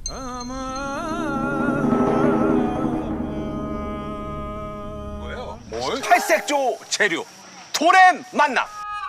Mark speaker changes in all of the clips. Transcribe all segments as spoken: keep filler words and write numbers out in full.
Speaker 1: 뭐예요? 뭘? 탈색조 재료 돌의 만남.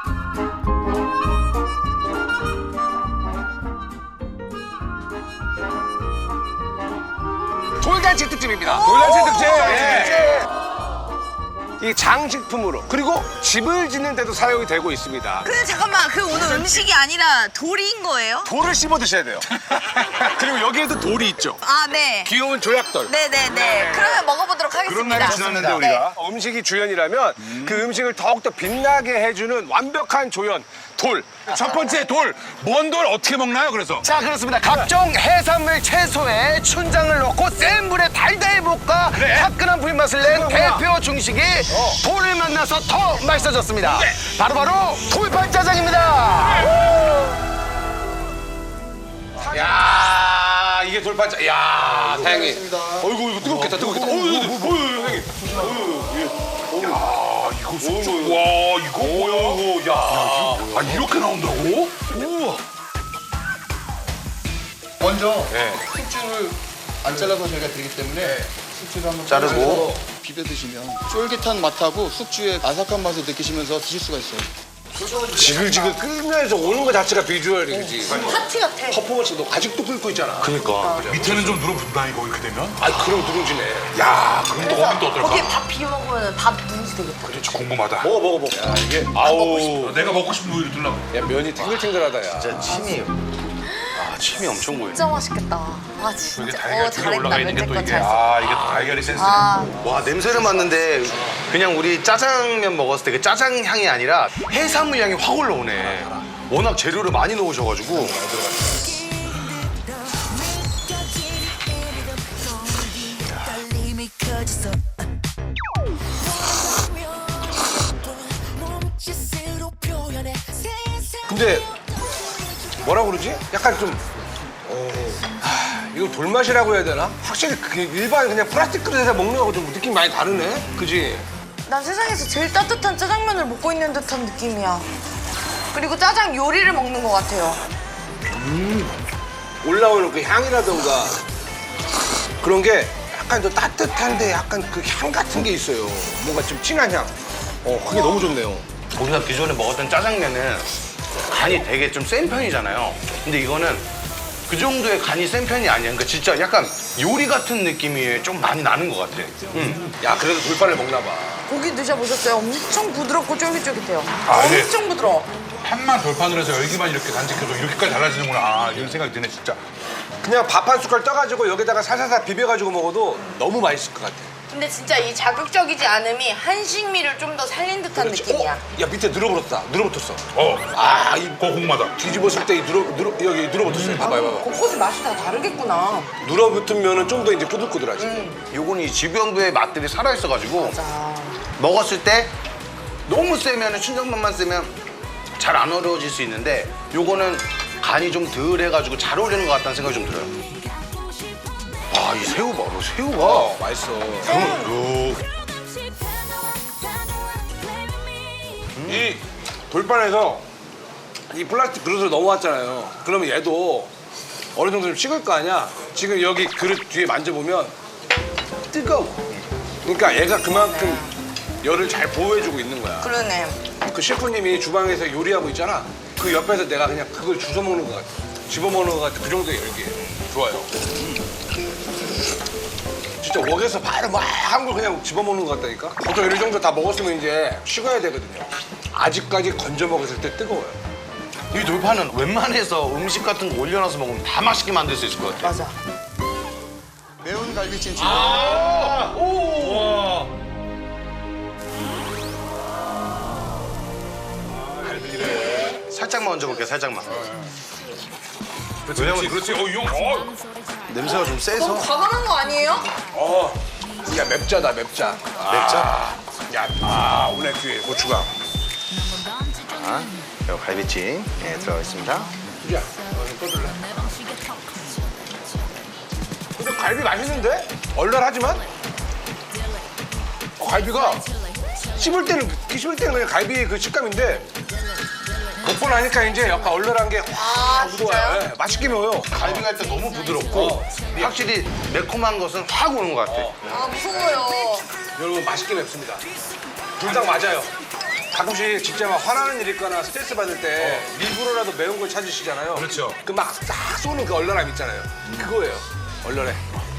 Speaker 1: 돌잔치 특집입니다. 돌잔치 특집. 예. 이 장식품으로 그리고 집을 짓는 데도 사용이 되고 있습니다.
Speaker 2: 근데 잠깐만, 그 오늘 음식이 아니라 돌인 거예요?
Speaker 1: 돌을 씹어 드셔야 돼요. 그리고 여기에도 돌이 있죠.
Speaker 2: 아, 네.
Speaker 1: 귀여운 조약돌.
Speaker 2: 네네네. 그러면 먹어보도록 하겠습니다.
Speaker 1: 그런 날이 지났는데
Speaker 2: 네.
Speaker 1: 우리가 음식이 주연이라면 음. 그 음식을 더욱더 빛나게 해주는 완벽한 조연 돌.
Speaker 3: 첫 번째 돌, 뭔 돌 어떻게 먹나요? 그래서
Speaker 1: 자 그렇습니다. 각종 해산물 채소에 춘장을 넣고 센 불에 달달히 볶아
Speaker 3: 네.
Speaker 1: 화끈한 불맛을 낸 대표 중식이 어. 돌을 만나서 더 맛있어졌습니다. 네. 바로바로 돌판짜장입니다. 야 이게 돌판짜. 야 다행히. 어이구 이거 뜨겁겠다 뜨겁겠다. 어이구 어이구 형님.
Speaker 3: 야 이거 숙주 와 이거 뭐야? 야, 아 이렇게 나온다고? 우와.
Speaker 4: 먼저
Speaker 1: 네.
Speaker 4: 숙주를 안 잘라서 저희가 드리기 때문에 숙주를 한번
Speaker 1: 자르고.
Speaker 4: 잘라서 비벼 드시면 쫄깃한 맛하고 숙주의 아삭한 맛을 느끼시면서 드실 수가 있어요.
Speaker 1: 지글지글 끓면서 오는 것 자체가 비주얼이 그지.
Speaker 2: 파티 같아.
Speaker 1: 퍼포먼스 너 아직도 끓고 있잖아.
Speaker 3: 그러니까 밑에는 좀 누름pun다 이거 이렇게 되면?
Speaker 1: 아 그럼 누룽지네.
Speaker 3: 야 그럼 또 거기 또 어떨까?
Speaker 2: 거기에 밥 비벼 먹으면 밥 누룽지 되겠다.
Speaker 3: 그렇지 궁금하다.
Speaker 1: 먹어 먹어 먹어. 야 이게 아우.
Speaker 3: 내가 먹고 싶은 부위를 들라고.
Speaker 1: 야 면이 탱글탱글하다 야.
Speaker 5: 진짜 침이 아 침이 엄청 보이네.
Speaker 2: 진짜 맛있겠다. 아, 진짜.
Speaker 3: 이게 달걀 뒤에 올라가 있는 게 또 이게
Speaker 2: 잘
Speaker 3: 아 이게 또 달걀이 센스네.
Speaker 2: 아,
Speaker 5: 와 냄새를 맡는데 그냥 우리 짜장면 먹었을 때 그 짜장 향이 아니라 해산물 향이 확 올라오네. 워낙 재료를 많이 넣으셔가지고.
Speaker 1: 근데 뭐라 그러지? 약간 좀 어, 하, 이거 돌맛이라고 해야 되나? 확실히 그 일반 그냥 플라스틱 그릇에서 먹는 거하고 좀 느낌이 많이 다르네. 그지?
Speaker 2: 난 세상에서 제일 따뜻한 짜장면을 먹고 있는 듯한 느낌이야. 그리고 짜장 요리를 먹는 것 같아요.
Speaker 1: 올라오는 그 향이라던가 그런 게 약간 좀 따뜻한데 약간 그 향 같은 게 있어요. 뭔가 좀 진한 향. 어, 그게 너무 좋네요.
Speaker 5: 우리가 기존에 먹었던 짜장면은 간이 되게 좀 센 편이잖아요. 근데 이거는 그 정도의 간이 센 편이 아니야. 그러니까 진짜 약간 요리 같은 느낌이 좀 많이 나는 것 같아. 응.
Speaker 1: 야, 그래도 돌판을 먹나 봐.
Speaker 2: 고기 드셔보셨어요? 엄청 부드럽고 쫄깃쫄깃해요.
Speaker 3: 아, 네.
Speaker 2: 엄청 부드러워.
Speaker 3: 판만 돌판으로 해서 열기만 이렇게 간직해서 이렇게까지 달라지는구나. 아, 이런 생각이 드네 진짜.
Speaker 1: 그냥 밥 한 숟갈 떠가지고 여기다가 살살살 비벼가지고 먹어도 너무 맛있을 것 같아.
Speaker 2: 근데 진짜 이 자극적이지 않음이 한식미를 좀 더 살린 듯한 느낌이야.
Speaker 1: 어? 야, 밑에 늘어붙었다. 늘어붙었어.
Speaker 3: 어,
Speaker 1: 아, 이
Speaker 3: 고구마다.
Speaker 1: 뒤집었을 때 이 늘어, 늘어, 여기 늘어붙었어요. 봐봐, 봐봐.
Speaker 2: 곳곳이 맛이 다 다르겠구나.
Speaker 1: 늘어붙은 면은 좀 더 이제 꾸들꾸들하지.
Speaker 5: 요건 이 지병부의 맛들이 살아있어가지고
Speaker 2: 맞아.
Speaker 5: 먹었을 때 너무 세면 춘장만만 세면 잘 안 어려워질 수 있는데 요거는 간이 좀 덜 해가지고 잘 어울리는 것 같다는 생각이 좀 들어요. 아, 이 새우 봐, 이 새우가.
Speaker 1: 어, 맛있어.
Speaker 5: 요.
Speaker 1: 이 돌판에서 이 플라스틱 그릇으로 넘어왔잖아요. 그러면 얘도 어느 정도 좀 식을 거 아니야? 지금 여기 그릇 뒤에 만져보면 뜨거워. 그러니까 얘가 그만큼 열을 잘 보호해주고 있는 거야.
Speaker 2: 그러네.
Speaker 1: 그 셰프님이 주방에서 요리하고 있잖아. 그 옆에서 내가 그냥 그걸 주워 먹는 것 같아. 집어 먹는 것 같아. 그 정도의 열기예요. 좋아요. 진짜 웍에서 바로 막 한 걸 그냥 집어 먹는 것 같다니까. 보통 이 정도 다 먹었으면 이제 식어야 되거든요. 아직까지 건져 먹었을 때 뜨거워요.
Speaker 5: 이 돌판은 웬만해서 음식 같은 거 올려놔서 먹으면 다 맛있게 만들 수 있을 것 같아.
Speaker 2: 맞아.
Speaker 4: 매운 갈비찜 지금
Speaker 1: 아, 오, 와.
Speaker 5: 살짝만 얹어볼게요, 살짝만.
Speaker 3: 그렇지, 그렇지, 그렇지. 어, 이 형, 어.
Speaker 5: 냄새가 좀 세서.
Speaker 2: 너무 과감한 거 아니에요?
Speaker 1: 어, 야 맵자다 맵자.
Speaker 5: 맵자?
Speaker 1: 야, 아 오늘 뒤에 고추가.
Speaker 5: 자, 요 갈비찜 예, 들어가 있습니다.
Speaker 1: 야, 너는 떠들래. 근데 갈비 맛있는데? 얼얼하지만? 어, 갈비가 씹을 때는 씹을 때는 그냥 갈비의 그 식감인데 먹고 나니까 이제 약간 얼얼한 게
Speaker 2: 아,
Speaker 1: 확 묻어와요. 네, 맛있게 매워요.
Speaker 5: 갈비가 일단 너무 부드럽고 확실히 매콤한 것은 확 오는 것 같아.
Speaker 2: 아, 무서워요.
Speaker 1: 여러분 맛있게 맵습니다. 둘 다 맞아요. 가끔씩 진짜 막 화나는 일 있거나 스트레스 받을 때 일부러라도 매운 걸 찾으시잖아요.
Speaker 3: 그렇죠.
Speaker 1: 그 막 싹 쏘는 그 얼얼함 있잖아요. 그거예요. 얼얼해.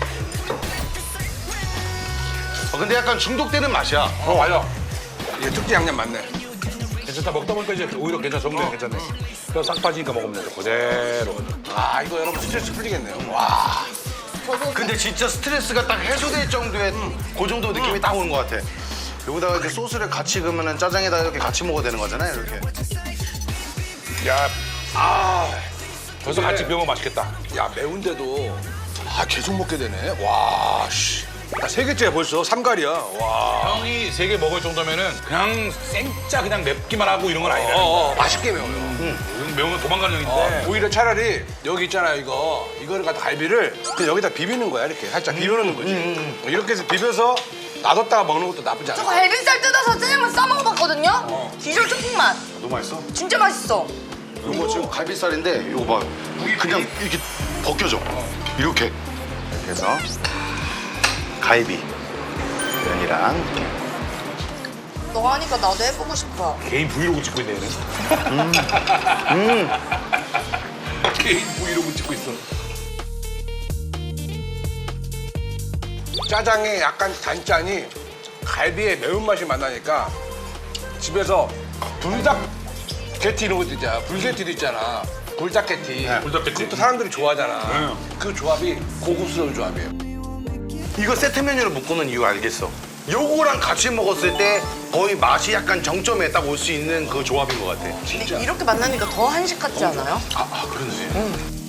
Speaker 5: 어, 근데 약간 중독되는 맛이야.
Speaker 1: 어, 맞아. 이게 특제 양념 맞네.
Speaker 3: 괜찮다. 먹다 보니까 이제 오히려 괜찮아. 정리가 괜찮네. 그래서 싹 빠지니까 먹으면 돼. 그대로.
Speaker 1: 아, 이거 여러분 스트레스 풀리겠네요. 와.
Speaker 5: 근데 진짜 스트레스가 딱 해소될 정도의 그 정도 느낌이 딱 오는 것 같아. 여기다가 이렇게 소스를 같이 그으면 짜장에다 이렇게 같이 먹어도 되는 거잖아요, 이렇게.
Speaker 3: 야,
Speaker 1: 아.
Speaker 3: 벌써 같이 비우면 맛있겠다.
Speaker 1: 야, 매운데도 아, 계속 먹게 되네. 와, 씨. 나 세 개째 벌써 삼갈이야. 와.
Speaker 3: 형이 세 개 먹을 정도면은 그냥 생짜 그냥 맵기만 하고 이런 건 아니라.
Speaker 1: 어, 어, 맛있게 매워요.
Speaker 3: 음. 매우면 도망가는 형인데.
Speaker 1: 어, 오히려 차라리 여기 있잖아요, 이거. 이거를 갖다 갈비를 그냥 여기다 비비는 거야, 이렇게. 살짝 비벼놓는 거지. 이렇게 해서 비벼서 놔뒀다가 먹는 것도 나쁘지
Speaker 2: 저
Speaker 1: 않아.
Speaker 2: 갈비살 뜯어서 짜장면 싸 먹어봤거든요? 디저트 조금 맛.
Speaker 5: 너무 맛있어?
Speaker 2: 진짜 맛있어.
Speaker 5: 이거 지금 갈비살인데 이거 봐. 그냥 이렇게 벗겨져. 이렇게. 이렇게 해서 갈비 면이랑
Speaker 2: 너 하니까 나도 해보고 싶어.
Speaker 3: 개인 브이로그 찍고 있네, 얘는. 개인 브이로그 찍고 있어.
Speaker 1: 짜장에 약간 단짠이 갈비의 매운맛이 만나니까 집에서 불닭 게티 이런 것도 있잖아. 불게티도 있잖아. 불닭 게티.
Speaker 3: 불닭 게티.
Speaker 1: 그것도 사람들이 좋아하잖아. 그 조합이 고급스러운 조합이에요.
Speaker 5: 이거 세트 메뉴로 묶어놓은 이유 알겠어. 요거랑 같이 먹었을 때 거의 맛이 약간 정점에 딱 올 수 있는 그 조합인 것 같아.
Speaker 2: 근데 이렇게 만나니까 더 한식 같지 않아요?
Speaker 5: 아, 아 그러네.